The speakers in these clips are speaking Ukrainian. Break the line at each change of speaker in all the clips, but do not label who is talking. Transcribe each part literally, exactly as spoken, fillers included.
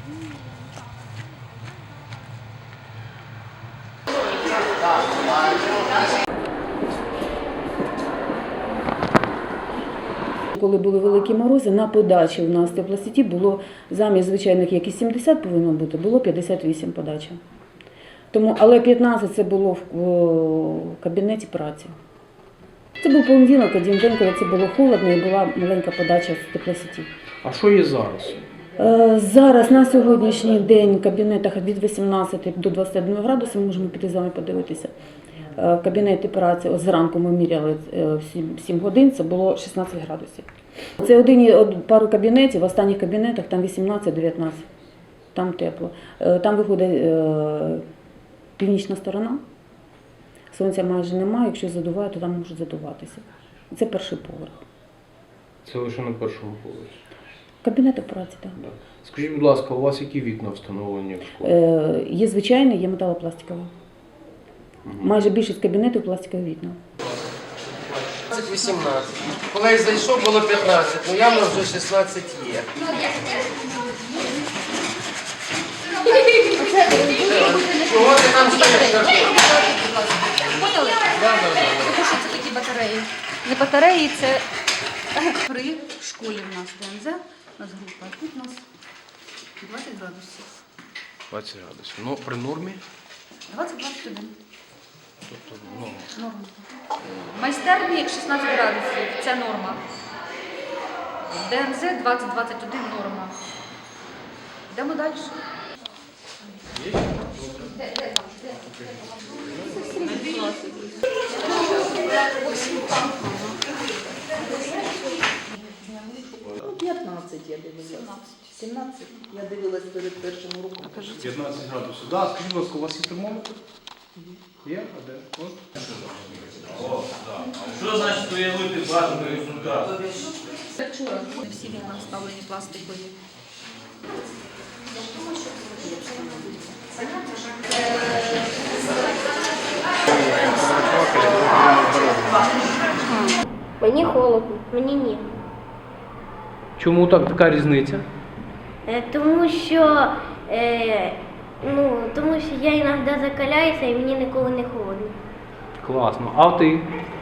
Коли були великі морози, на подачі у нас в теплосеті було замість звичайних, як і сімдесят повинно бути, було п'ятдесят вісім подача. Тому, але п'ятнадцять це було в, в кабінеті праці. Це був понеділок, один день, коли це було холодно і була маленька подача з теплосеті.
А що є зараз?
Зараз на сьогоднішній день в кабінетах від вісімнадцяти до двадцяти одного градусів, ми можемо піти з вами подивитися. В кабінеті праці, ось зранку ми міряли в сім годин, це було шістнадцять градусів. Це один, пару кабінетів, в останніх кабінетах там вісімнадцять-дев'ятнадцять, там тепло. Там виходить північна сторона, сонця майже немає, якщо задуває, то там може задуватися. Це перший поверх.
Це лише на першому поверсі?
Кабінети праці, так.
Да. Скажіть, будь ласка, у вас які вікна встановлені в школі?
Е, є звичайні, є металопластикові. Угу. Майже більшість кабінетів пластикові вікна.
вісімнадцять. Коли я зайшов, було п'ятнадцять, ну явно вже шістнадцять є. Чого ти там стоїш?
Поняли? Тому що це такі батареї. Не батареї, це при школі в нас ДНЗ, у нас група. Тут у нас двадцять градусів.
двадцять градусів. Ну, при нормі?
двадцять-двадцять один.
Тобто, ну...
Норма. В майстерні шістнадцять градусів, це норма. В ДНЗ двадцять-двадцять один норма. Йдемо далі.
Ну, п'ятнадцять я дивилася. сімнадцять я дивилась перед першим уроком.
п'ятнадцять градусів. Да, скажіть, будь ласка, у вас є термометр? Є? А де? От.
Що значить уявити бажаний результат?
Вчора не всі вікна вставлені пластикові.
Мені холодно, мені ні.
Чому так така різниця?
Е, тому що е, ну, тому що я іноді закаляюся і мені ніколи не холодно.
Класно. А ти?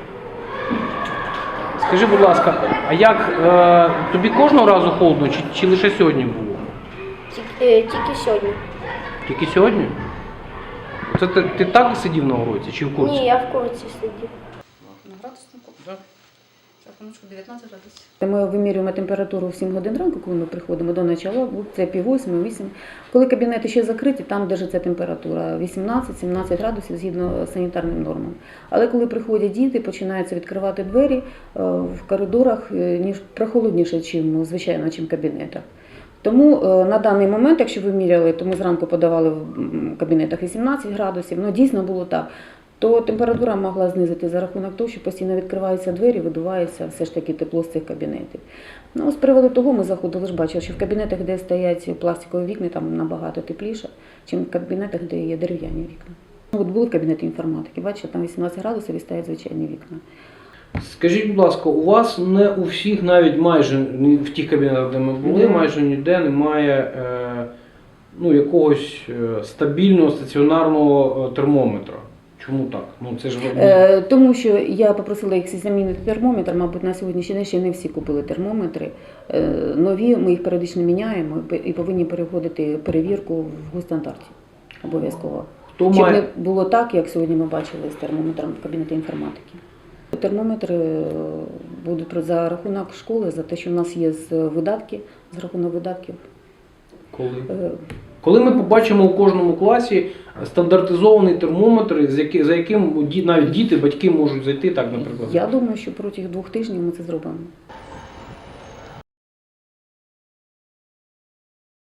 Скажи, будь ласка, а як е, тобі кожного разу холодно, чи, чи лише сьогодні було?
Тільки, е, тільки сьогодні.
Тільки сьогодні? Це ти, ти так сидів на уроці чи в курсі?
Ні, я в курсі сидів.
На градуснику?
Так.
Рахуночку дев'ятнадцять градусів.
Ми вимірюємо температуру в сім годин ранку, коли ми приходимо до начала, це пів восьми, вісім. Коли кабінети ще закриті, там держиться температура вісімнадцять-сімнадцять градусів згідно з санітарним нормам. Але коли приходять діти, починаються відкривати двері в коридорах, ніж прохолодніше, ніж звичайно, ніж в кабінетах. Тому на даний момент, якщо ви міряли, то ми зранку подавали в кабінетах вісімнадцять градусів, ну дійсно було так, то температура могла знизити за рахунок того, що постійно відкриваються двері, видувається все ж таки тепло з цих кабінетів. Ну, з приводу того ми заходили, ж бачили, що в кабінетах, де стоять пластикові вікна, там набагато тепліше, ніж в кабінетах, де є дерев'яні вікна. От були в кабінеті інформатики, бачите, там вісімнадцять градусів і стоять звичайні вікна.
Скажіть, будь ласка, у вас не у всіх, навіть майже в тих кабінетах, де ми були, майже ніде немає е, ну, якогось е, стабільного стаціонарного термометра. Чому так? Ну, це ж...
Е, тому що я попросила їх замінити термометр, мабуть, на сьогоднішній день ще не всі купили термометри. Е, нові, ми їх періодично міняємо і повинні переходити перевірку в госстандарті обов'язково.
Хто
Щоб
має...
не було так, як сьогодні ми бачили з термометром в кабінеті інформатики. Термометри будуть за рахунок школи, за те, що в нас є з видатки, з рахунок видатків.
Коли? Коли ми побачимо у кожному класі стандартизований термометр, за яким навіть діти, батьки можуть зайти, так, наприклад?
Я думаю, що протягом двох тижнів ми це зробимо.